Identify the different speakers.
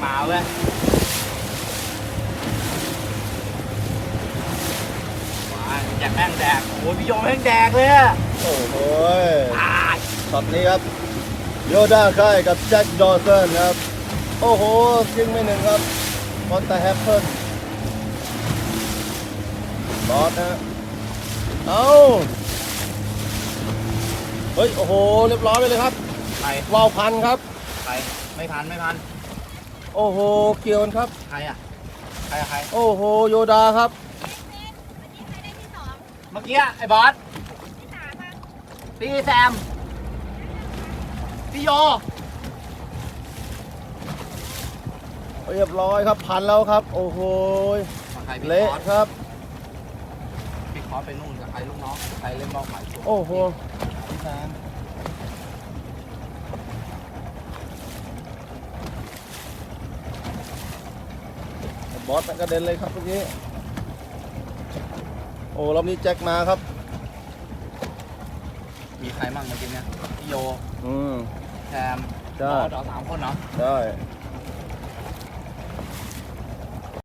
Speaker 1: มาเว้ยว้าแจ็คแม่งแดกโอ้ยพี่โยแม่งแดกเลยอะ
Speaker 2: โอ้โห
Speaker 1: ตาย
Speaker 2: ช็อตนี้ครับโยด้าค่ายกับแจ็คดอสันครับโอ้โหยิงไม่หนึ่งครับมอนตาแฮปเปิลบอสนะเอาเฮ้ยโอ้โหเรียบร้อยไปเลยครับ
Speaker 1: ใคร
Speaker 2: วาวพันครับ
Speaker 1: ใครไม่ทันไม่ทัน
Speaker 2: โอ้โหเกี่ยวกันครับ
Speaker 1: ใครอ่ะใครอะใคร
Speaker 2: โอ้โหโยดาครับ
Speaker 1: เมื่อกี้ไอ้บอสพี่แซมพี่โย
Speaker 2: เรียบร้อยครับพันแล้วครับโอ้โห
Speaker 1: ใครพี่
Speaker 2: เละ
Speaker 1: คอส
Speaker 2: ครับ
Speaker 1: พี่คอสไปนู่นกับใครลูกน้องใครเล่นบอลหมายตัว
Speaker 2: โอ้โหบอสมันกระเด็นเลยครับเมื่อกี้โอ้รอบนี้แจ็คมาครับ
Speaker 1: มีใครมั่งเมื่อกี้เนี่ยพี่โย
Speaker 2: อืม
Speaker 1: แซม
Speaker 2: ใช่
Speaker 1: บอสเหรอ3 คนเหรอ
Speaker 2: ได้